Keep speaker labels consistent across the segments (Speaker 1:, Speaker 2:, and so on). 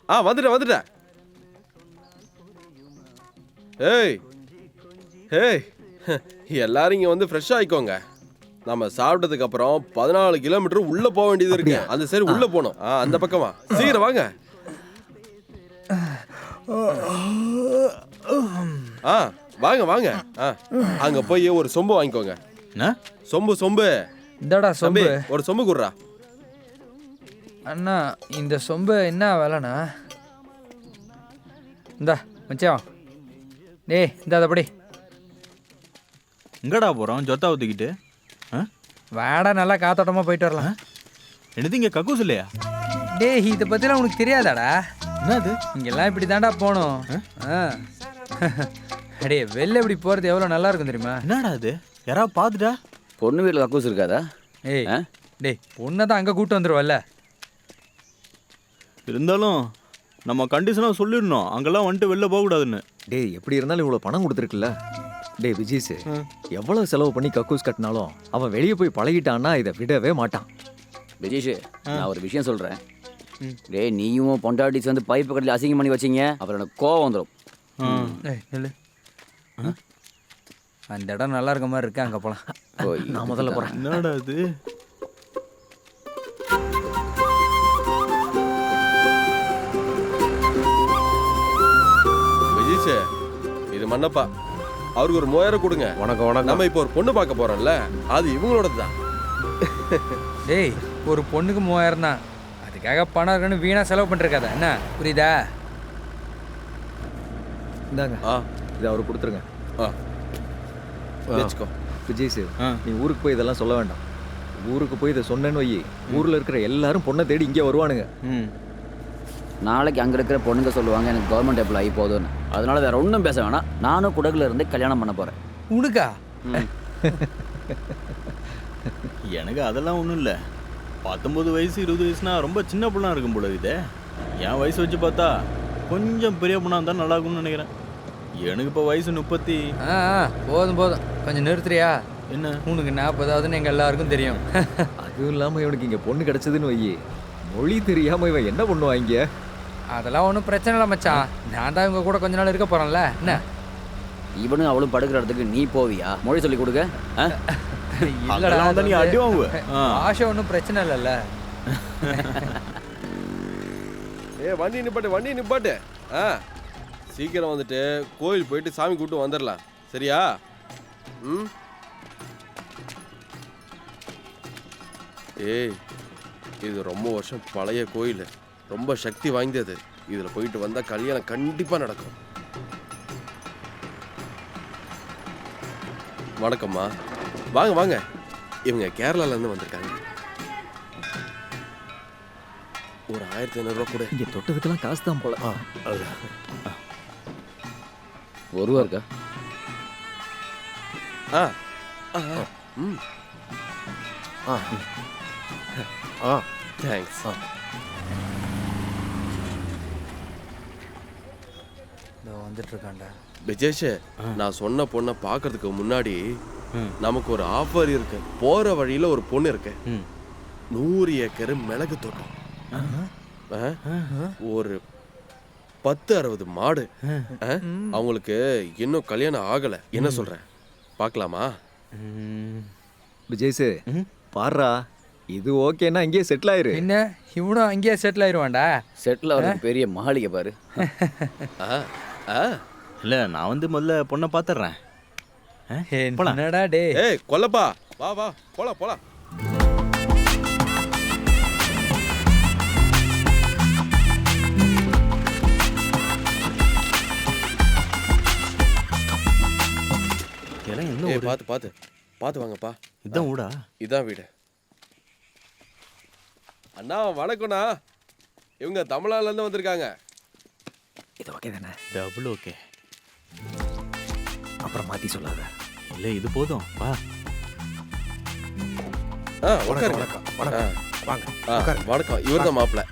Speaker 1: வந்துட்டேன். ஏய் ஏய் எல்லாரும் இங்க வந்து ஃப்ரெஷ் ஆயிக்கோங்க. நம்ம சாப்பிட்டதுக்கு அப்புறம் 14 கிலோமீட்டர் உள்ள போக வேண்டியது இருக்கு. அந்த சரி உள்ள போகணும். அந்த பக்கமா சீக்கிரம் வாங்க. வாங்க வாங்க. அங்க போய் ஒரு சொம்பு வாங்கிக்கோங்க. சொம்பு
Speaker 2: இந்தடா சொம்பு.
Speaker 1: ஒரு சொம்பு குடுறா.
Speaker 2: அண்ணா இந்த சொம்பு என்ன விலைண்ணா? இந்தா மச்சான். டேய் இந்த அதப்படி
Speaker 3: எங்கடா போகிறோம் ஜொத்தா ஊற்றிக்கிட்டு?
Speaker 2: வாடா நல்லா காத்தோட்டமாக போயிட்டு வரலாம்.
Speaker 3: என்னது இங்கே கக்கூஸ் இல்லையா?
Speaker 2: டேய் இதை பற்றிலாம் உனக்கு தெரியாதாடா?
Speaker 3: என்னது
Speaker 2: இங்கெல்லாம் இப்படி தாண்டா போகணும். அடே வெளில இப்படி போகிறது எவ்வளோ நல்லா இருக்கும் தெரியுமா?
Speaker 3: என்னடா அது? யாராவது பார்த்துட்டா?
Speaker 4: பொண்ணு வீட்டில் கக்கூஸ் இருக்காதா?
Speaker 2: ஏய் டேய் பொண்ணை தான் அங்கே கூப்பிட்டு வந்துடுவல்ல.
Speaker 3: இருந்தாலும் நம்ம கண்டிஷனாக சொல்லிடணும், அங்கெல்லாம் வந்துட்டு வெளில போகக்கூடாதுன்னு.
Speaker 5: டேய் எப்படி இருந்தாலும் இவ்வளோ பணம் கொடுத்துருக்குல்ல. டேய் விஜய்ஸ், எவ்வளோ செலவு பண்ணி கக்கூஸ் கட்டினாலும் அவன் வெளியே போய் பழகிட்டான்னா இதை விடவே மாட்டான்.
Speaker 4: விஜய்ஷு, நான் ஒரு விஷயம் சொல்கிறேன். டேய் நீயும் பொண்டாட்டி சேர்ந்து பைப்பு கட்டில் அசிங்கம் பண்ணி வச்சிங்க, அப்புறம் எனக்கு கோவம் வந்துடும்.
Speaker 2: இல்லை அந்த இடம் நல்லா இருக்க மாதிரி இருக்கு, அங்கே போகலாம்.
Speaker 5: நான் முதல்ல போகிறேன்.
Speaker 3: என்னடா அது?
Speaker 1: விஜய்ஸ், இது மன்னப்பா. அவருக்கு ஒரு 3000 கொடுங்க.
Speaker 5: வணக்கம் வணக்கம்.
Speaker 1: நம்ம இப்போ ஒரு பொண்ணு பார்க்க போறோம்ல, அது இவங்களோடது தான்.
Speaker 2: டேய் ஒரு பொண்ணுக்கு 3000 தான். அதுக்காக பணம் இருக்குன்னு வீணா செலவு பண்ணிருக்காத என்ன, புரியுதா?
Speaker 5: இந்தாங்க இதை அவருக்கு கொடுத்துருங்க.
Speaker 1: வச்சுக்கோ.
Speaker 5: விஜய்ஸ், நீ ஊருக்கு போய் இதெல்லாம் சொல்ல வேண்டாம். ஊருக்கு போய் இதை சொன்னேன்னு வை, ஊரில் இருக்கிற எல்லாரும் பொண்ணை தேடி இங்கே வருவானுங்க.
Speaker 4: நாளைக்கு அங்கே இருக்கிற பொண்ணுங்க சொல்லுவாங்க எனக்கு கவர்மெண்ட் எம்ப்ளாயி போதும்னு. அதனால வேற ஒன்றும் பேச வேணாம். நானும் குடகுல இருந்து கல்யாணம் பண்ண போகிறேன்.
Speaker 2: உனக்கா?
Speaker 3: எனக்கு அதெல்லாம் ஒன்றும் இல்லை. 19 வயசு 20 வயசுனா ரொம்ப சின்ன பொண்ணாக இருக்கும் போல இதே. என் வயசு வச்சு பார்த்தா கொஞ்சம் பெரிய பொண்ணாக இருந்தால் நல்லா இருக்கும்னு நினைக்கிறேன். எனக்கு இப்போ வயசு 30.
Speaker 2: போதும் போதும் கொஞ்சம் நிறுத்துறியா?
Speaker 3: என்ன
Speaker 2: உனக்கு 40ஆவதுன்னு எங்கள் எல்லாருக்கும் தெரியும்.
Speaker 5: அதுவும் இல்லாமல் இவனுக்கு இங்கே பொண்ணு கிடச்சதுன்னு வை, மொழி தெரியாமல் இவன் என்ன பண்ணுவாங்க?
Speaker 2: அதெல்லாம் ஒன்றும் பிரச்சனை இல்லை மச்சான். நான் தான் இவங்க கூட கொஞ்ச நாள் இருக்க போகிறேன்ல. என்ன
Speaker 4: இவனும் அவளும் படுக்கிற இடத்துக்கு நீ போவியா? மொழி சொல்லி கொடுக்க?
Speaker 2: இல்லடா,
Speaker 3: நீ அடி வாங்குவ.
Speaker 2: ஆஷை ஒன்றும் பிரச்சனை இல்லைல்ல.
Speaker 1: வண்டி நிப்பாட்டு. சீக்கிரம் வந்துட்டு கோயில் போயிட்டு சாமி கூப்பிட்டு வந்துடலாம், சரியா? ஏய் இது ரொம்ப வருஷம் பழைய கோயில், ரொம்ப சக்தி வாய்ந்தது. இதில் போயிட்டு வந்தால் கல்யாணம் கண்டிப்பாக நடக்கும். வணக்கம்மா. வாங்க வாங்க. இவங்க கேரளாலேருந்து வந்திருக்காங்க. ஒரு 1500 ரூபா கூட.
Speaker 5: இங்கே தொட்டதுக்கெல்லாம் காசு தான் போல.
Speaker 4: ஒரு ரூபா இருக்கா?
Speaker 1: தேங்க்ஸ்.
Speaker 2: வந்துட்டு இருக்காண்டா
Speaker 1: விஜேஷ். நான் சொன்ன பொண்ணை பார்க்கறதுக்கு முன்னாடி நமக்கு ஒரு ஆஃபர் இருக்கு. போற வழியில ஒரு பொண்ணு இருக்கு, 100 ஏக்கர் மிளகு தோட்டம், ஒரு 10-60 மாடு. அவங்களுக்கு இன்னும் கல்யாணம் ஆகல. என்ன சொல்ற, பார்க்கலாமா?
Speaker 5: விஜய்ஸ் பாடுறா, இது ஓகேன்னா அங்கேயே செட்டில் ஆயிரு.
Speaker 2: என்ன இவனும் அங்கேயே செட்டில் ஆயிடுவான்டா.
Speaker 4: செட்டில் ஆகிறதுக்கு பெரிய மாளிகை பாரு.
Speaker 3: இல்லை நான் வந்து முதல்ல பொண்ணை பார்த்துட்றேன்.
Speaker 2: என்னடா டே?
Speaker 1: ஏய் கொல்லப்பா, வா வா போலாம் போலாம். பார்த்து வாங்கப்பா.
Speaker 3: இதான் ஊடா?
Speaker 1: இதான் வீடு. அண்ணா வணக்கம்ண்ணா. இவங்க தமிழ்நாடுலேருந்து வந்திருக்காங்க.
Speaker 5: இது ஓகே தானே?
Speaker 3: Double okay.
Speaker 5: அப்புறம் மாற்றி சொல்லாத.
Speaker 3: இல்லை இது போதும் வா.
Speaker 1: வணக்கம். இவர் தான் மாப்பிள்ள.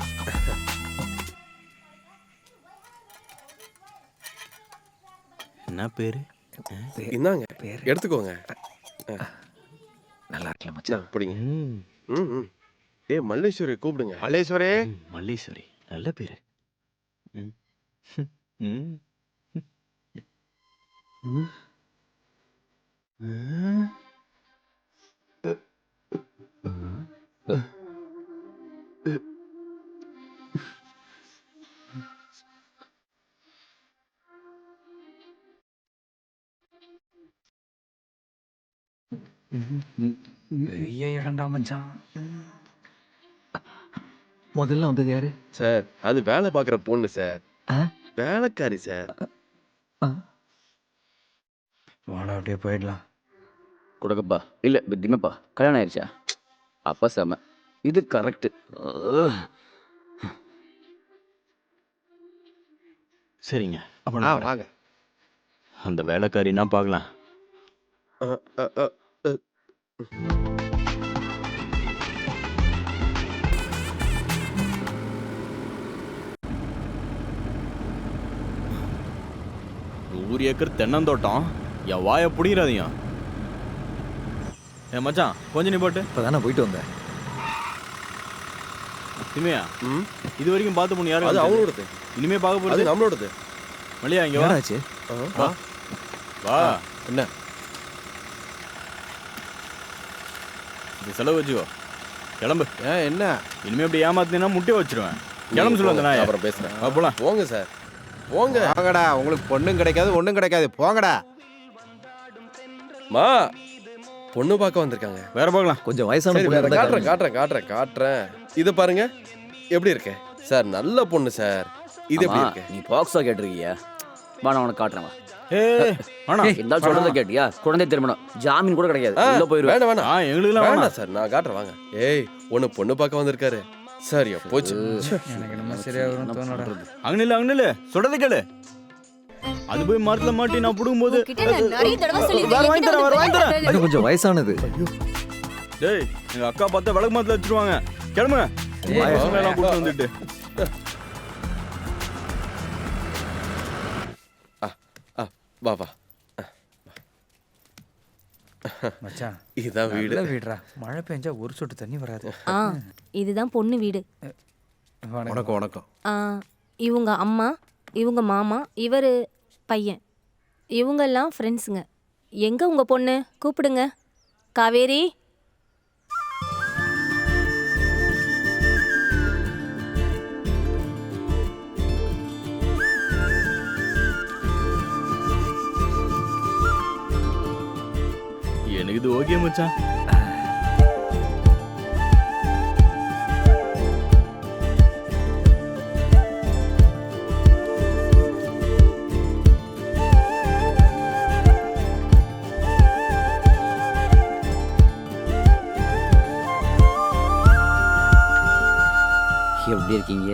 Speaker 3: என்ன பேரு?
Speaker 1: இந்தாங்க எடுத்துக்கோங்க.
Speaker 5: நல்லா இருக்கலாம் மச்சான்.
Speaker 1: பிடிங்க. மல்லேஸ்வரி கூப்பிடுங்க.
Speaker 3: மல்லீஸ்வரி நல்ல பேரு. ம்.
Speaker 2: பெரிய இடம்டா மச்சான்.
Speaker 5: முதல்ல வந்தது யாரு?
Speaker 1: சார் அது வேலை பார்க்குற பொண்ணு சார்.
Speaker 5: ஆ?
Speaker 1: வேலைக்காரி சார்.
Speaker 2: வாடா அப்படியே போயிடலாம்.
Speaker 4: கொடுக்கப்பா இல்லை திமப்பா கல்யாணம் ஆயிடுச்சா? அப்பா செம, இது கரெக்டு.
Speaker 3: சரிங்க அப்ப நான் வரேன்.
Speaker 1: வாங்க.
Speaker 3: அந்த வேலைக்காரின்னா பார்க்கலாம்.
Speaker 1: அ, அ, அ, அ.
Speaker 3: நூறு ஏக்கர் தென்னந்தோட்டம், என் வாயை பிடிக்கிறாதீங்க. ஏ மச்சான் கொஞ்சம் நீ போட்டு.
Speaker 5: இப்போ தானே போயிட்டு வந்தேன்.
Speaker 3: திமையா
Speaker 1: ம்,
Speaker 3: இது வரைக்கும் பார்த்த பொண்ணு
Speaker 1: அது
Speaker 3: யாரும்
Speaker 1: அவங்களோடது.
Speaker 3: இனிமே பார்க்க
Speaker 1: அது
Speaker 3: போறது
Speaker 1: நம்மளோடது.
Speaker 3: மல்லியா இங்க வா.
Speaker 5: என்னடாச்சு?
Speaker 1: ஆ,
Speaker 3: வா
Speaker 1: என்ன?
Speaker 3: இது செலவு வச்சுக்கோ. கிளம்பு.
Speaker 1: ஏன் என்ன?
Speaker 3: இனிமே இப்படி ஏமாத்தினா முட்டை வச்சிருவேன். கிளம்பு சொல்ல அந்த நாயை.
Speaker 1: அப்புறம் பேசுறேன்.
Speaker 3: போலாம்.
Speaker 1: போங்க சார், போங்க.
Speaker 6: போங்கடா, உங்களுக்கு பொண்ணும் கிடைக்காது ஒண்ணும் கிடைக்காது, போங்கடா.
Speaker 1: மா, பொண்ணு பார்க்க வந்திருக்காங்க.
Speaker 3: வேற பார்க்கலாம்.
Speaker 5: கொஞ்சம் வயசான
Speaker 1: சரி,
Speaker 5: பொண்ணு
Speaker 1: வேற
Speaker 5: இருந்தா
Speaker 1: காட்டுறேன்
Speaker 5: காட்டுங்க.
Speaker 1: காட்டுறேன் காட்டுறேன் காட்டுறேன். இதை பாருங்க எப்படி இருக்கு சார். நல்ல பொண்ணு சார். இது எப்படி இருக்கு?
Speaker 4: நீ பாக்ஸா கேட்டிருக்கியா? வா நான் உனக்கு காட்டுறேன். வா
Speaker 3: வேணாம்.
Speaker 4: இந்த சொல்றத கேட்டியா? குழந்தை திருமணம் ஜாமீன் கூட கிடைக்காது,
Speaker 1: ஆ,
Speaker 4: உள்ள போயிருவேன்.
Speaker 1: வேணாம் வேணாம்
Speaker 3: எங்களுக்குலாம் வேணாம்.
Speaker 1: வேணாம் சார், நான் காட்டுறேன் வாங்க. ஏய், ஒண்ணு பொண்ணு பார்க்க வந்திருக்காரு. சரியா போச்சு.
Speaker 2: எனக்கு நம்ம சரியா வரும் தோணடா.
Speaker 3: அங்க நில்லு சொல்றதை கேளு. அது போய் மரத்துல மாட்டி நான் புடுங்கும் போது
Speaker 7: உன்கிட்ட நான் நிறைய தடவை சொல்லிருக்கேன்.
Speaker 3: வேற வாங்கி தரேன், வேற வாங்கி தரேன்.
Speaker 5: இன்னும் கொஞ்சம் வயசானது.
Speaker 3: டேய் எங்க அக்கா பார்த்தா விளக்கு மரத்துல வச்சிருவாங்க. கிளம்புங்க. பசங்க எல்லாம் கூட்டு வந்துட்டு.
Speaker 1: வா வா.
Speaker 2: மச்சான்
Speaker 1: இதுதான் வீடு.
Speaker 2: நல்ல வீடுடா. மழை பெஞ்சா ஒரு சொட்டு தண்ணி வராது.
Speaker 7: ஆ, இதுதான் பொண்ணு வீடு.
Speaker 6: வணக்கம் வணக்கம்.
Speaker 7: ஆ, இவங்க அம்மா, இவங்க மாமா, இவர் பையன். இவங்கெல்லாம் ஃப்ரெண்ட்ஸுங்க. எங்க உங்க பொண்ணு? கூப்பிடுங்க. காவேரி.
Speaker 3: எனக்கு இது ஓகே மச்சான்.
Speaker 4: எப்படி இருக்கீங்க?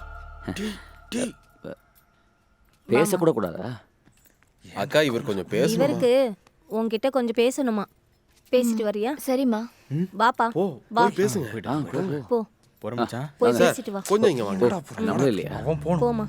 Speaker 4: பேசக்கூட கூடாதா?
Speaker 1: அக்கா, இவர் கொஞ்சம் பேசணும்.
Speaker 7: இவருக்கு உன்கிட்ட கொஞ்சம் பேசணுமா? பேசிட்டு வரியா?
Speaker 8: சரிம்மா.
Speaker 7: வாப்பா.
Speaker 1: ஓ,
Speaker 7: வா.
Speaker 1: போய் பேசுங்க.
Speaker 7: போ.
Speaker 3: போறேன் மச்சான்.
Speaker 7: போய்
Speaker 1: சார்,
Speaker 7: பேசிட்டு வா.
Speaker 1: கொஞ்சம் இங்க வாங்க.
Speaker 4: நம்மளும் இல்லையா?
Speaker 2: அவன் போகணும்.
Speaker 7: போமா.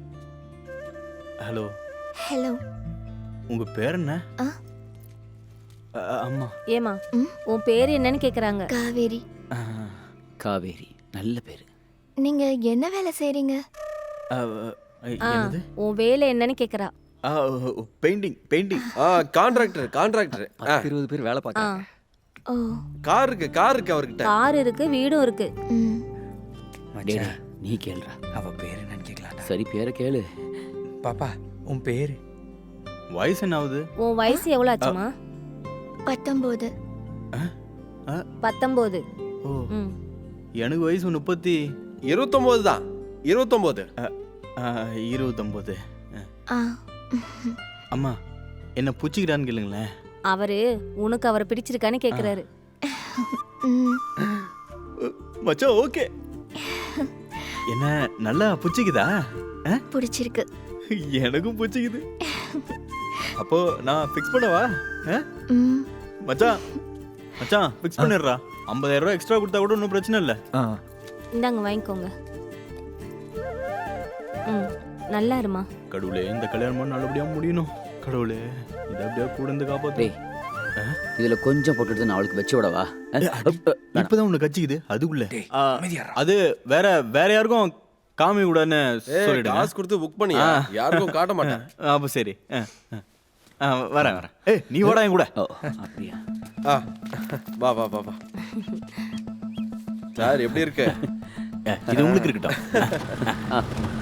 Speaker 3: Hello,
Speaker 8: hello.
Speaker 3: உங்க பேர் என்ன?
Speaker 8: ஆ.
Speaker 3: அம்மா.
Speaker 7: ஏமா, உன் பேர் என்னன்னு கேக்குறாங்க.
Speaker 8: காவேரி.
Speaker 4: காவேரி, நல்ல பேரு.
Speaker 8: நீங்க என்ன வேலை செய்றீங்க?
Speaker 3: என்னது?
Speaker 7: உன் வேலை என்னன்னு கேக்குறா.
Speaker 3: Painting painting.
Speaker 1: Contractor contractor.
Speaker 5: 20 பேர் வேலை
Speaker 7: ஆ,
Speaker 5: பார்க்கறாங்க.
Speaker 8: ஓ.
Speaker 1: கார் இருக்கு அவர்கிட்ட.
Speaker 7: கார் இருக்கு, வீடும் இருக்கு.
Speaker 8: ம்.
Speaker 4: டேய்,
Speaker 2: மச்சான்
Speaker 4: நீ கேளுடா.
Speaker 2: அவ பேர் என்னன்னு கேட்கலாம்டா.
Speaker 4: சரி பேரை கேளு.
Speaker 2: பாப்பா உன் பேரு?
Speaker 3: வயசு என்ன ஆகுது?
Speaker 7: உன் வயசு எவ்வளவு ஆச்சுமா?
Speaker 8: 19.
Speaker 7: 19.
Speaker 3: ஓ,
Speaker 7: ம்.
Speaker 3: எனக்கு வயசு
Speaker 1: 29 தான். 29.
Speaker 3: 29.
Speaker 8: ஆ.
Speaker 3: அம்மா என்ன புச்சிக்கிறான்னு கேளுங்களேன்.
Speaker 7: அவரு உனக்கு அவரை பிடிச்சிருக்கான்னு கேக்குறாரு.
Speaker 8: ம்.
Speaker 3: மச்சான் ஓகே. என்ன நல்லா புச்சிக்குதா?
Speaker 8: பிடிச்சிருக்கு.
Speaker 3: எனக்கும் புச்சிக்குது. அப்போ நான் ஃபிக்ஸ் பண்ணவா?
Speaker 8: ம்.
Speaker 3: மச்சான் மச்சான் ஃபிக்ஸ் பண்ணிடுறா. 50,000 ரூபாய் எக்ஸ்ட்ரா கொடுத்தா கூட ஒன்றும் பிரச்சனை இல்லை.
Speaker 5: ஆ.
Speaker 7: இந்தாங்க வாங்கிக்கோங்க. ம், நல்லா இருமா.
Speaker 3: கடவுளே, இந்த கல்யாணம் நல்லபடியா முடியணும். கடவுளே, இதை அப்படியே கூட இருந்து காப்பாத்து.
Speaker 4: டேய், இதுல கொஞ்சம் போட்டுட்டு நான் அவளுக்கு வச்சு விடவா?
Speaker 3: இப்பதான் உன்னை கச்சிக்குது அதுக்குள்ள.
Speaker 2: டேய், அமைதியாரா.
Speaker 3: அது வேற வேற யாருக்கும் காமி கூடன்னு
Speaker 1: ஏய்
Speaker 3: சொல்லிடுங்க.
Speaker 1: காசு கொடுத்து புக் பண்ணியா யாருக்கும் காட்ட மாட்டேன்.
Speaker 3: அப்போ சரி. வரேன் வரேன். ஏய் நீ வாடா என் கூட.
Speaker 4: ஓ அப்படியா?
Speaker 1: ஆ வா வா வா வா. சார் எப்படி இருக்கு?
Speaker 3: இது உங்களுக்கு இருக்கட்டும்.